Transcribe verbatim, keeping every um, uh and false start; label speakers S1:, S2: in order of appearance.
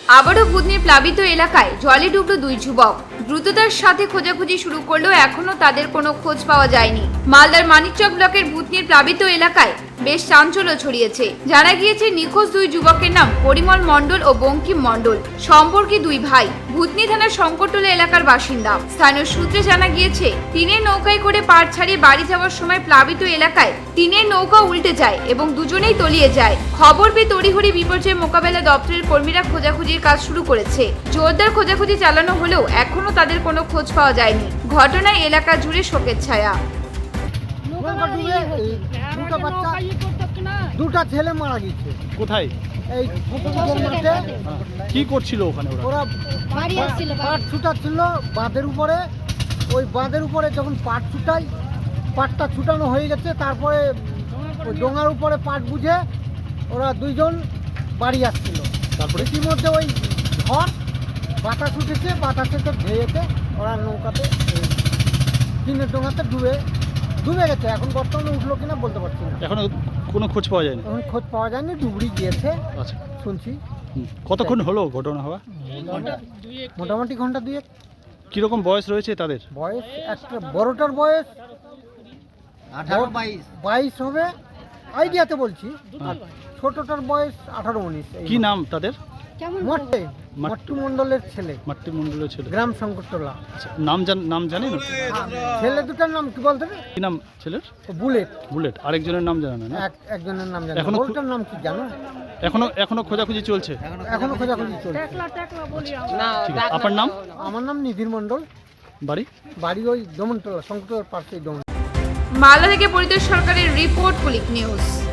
S1: আবারও ভূতনির প্লাবিত এলাকায় জলে ডুবলো দুই যুবক। দ্রুততার সাথে খোঁজাখুঁজি শুরু করলেও এখনো তাদের কোনো খোঁজ পাওয়া যায়নি। মালদার মানিকচক ব্লকের ভূতনির প্লাবিত এলাকায় বেশ চাঞ্চল্য ছড়িয়েছে। জানা গিয়েছে নিখোঁজ দুই যুবকের নাম পরিমল মণ্ডল ও বঙ্কিম মণ্ডল, সম্পর্কে দুই ভাই, ভূতনি থানার শঙ্করটোলা এলাকার বাসিন্দা। স্থানীয় সূত্রে জানা গিয়েছে টিনের নৌকায় করে পাড় ছাড়িয়ে বাড়ি যাওয়ার সময় প্লাবিত এলাকায় টিনের নৌকা উল্টে যায় এবং দুজনেই তলিয়ে যায়। খবর পেয়ে তড়িঘড়ি বিপর্যয় মোকাবেলা দপ্তরের কর্মীরা খোঁজাখুঁজির কাজ শুরু করেছে। জোরদার খোঁজাখুঁজি চালানো হলেও এখনো তাদের কোনো খোঁজ পাওয়া যায়নি। ঘটনায় এলাকা জুড়ে শোকের ছায়া।
S2: দুটা ছেলে মারা গেছে।
S3: কোথায়?
S2: এই মাঠে।
S3: কি করছিল ওখানে ওরা?
S2: ওরা পাট ছুটাচ্ছিল বাঁধের উপরে। ওই বাঁধের উপরে যখন পাট ছুটাই, পাটটা ছুটানো হয়ে গেছে, তারপরে ওই ডোঙার উপরে পাট বুঝে ওরা দুইজন বাড়ি আসছিল।
S3: তারপরে
S2: ইতিমধ্যে ওই ঝড় বাতাস উঠেছে, বাতাসেতে ধেয়েতে ওরা নৌকাতে টিনের ডোঙাতে ডুবে ডুবে গেছে। এখন বর্তমানে উঠলো কিনা বলতে পারছি না।
S3: এখনো কোনো খোঁজ পাওয়া যায়নি?
S2: এখন খোঁজ পাওয়া যায়নি, ডুবড়ি গিয়েছে
S3: আচ্ছা,
S2: শুনছি।
S3: কতক্ষণ হলো ঘটনা হওয়া?
S2: মোটামুটি ঘন্টা দুয়েক।
S3: কিরকম বয়স রয়েছে তাদের?
S2: বয়স একটা বড়টার বয়স আঠারো বাইশ বাইশ হবে আইডিয়াতে বলছি, আর ছোটটার বয়স আঠারো উনিশ।
S3: কি নাম তাদের?
S2: মট্টে মট্টু মণ্ডলের ছেলে,
S3: মাতৃ মণ্ডলের ছেলে,
S2: গ্রাম শঙ্করটোলা।
S3: আচ্ছা, নাম জান নাম জানেন?
S2: ছেলে দুটার নাম কি বলতে?
S3: কি নাম ছেলের?
S2: বুলেট।
S3: বুলেট। আরেকজনের নাম জানেন না?
S2: এক একজনের নাম জানি।
S3: এখনো
S2: বড়টার নাম কি জানো?
S3: এখনো এখনো খোঁজাখুঁজি চলছে?
S2: এখনো খোঁজাখুঁজি চলছে।
S3: ঠিক আছে, আপনার নাম?
S2: আমার নাম নিধির মণ্ডল।
S3: বাড়ি?
S2: বাড়ি ওই দমনটোলা, শঙ্করটোলার পাশেই দমন।
S1: মালদা থেকে পরিতোষ সরকারের রিপোর্ট, কুলিক নিউজ।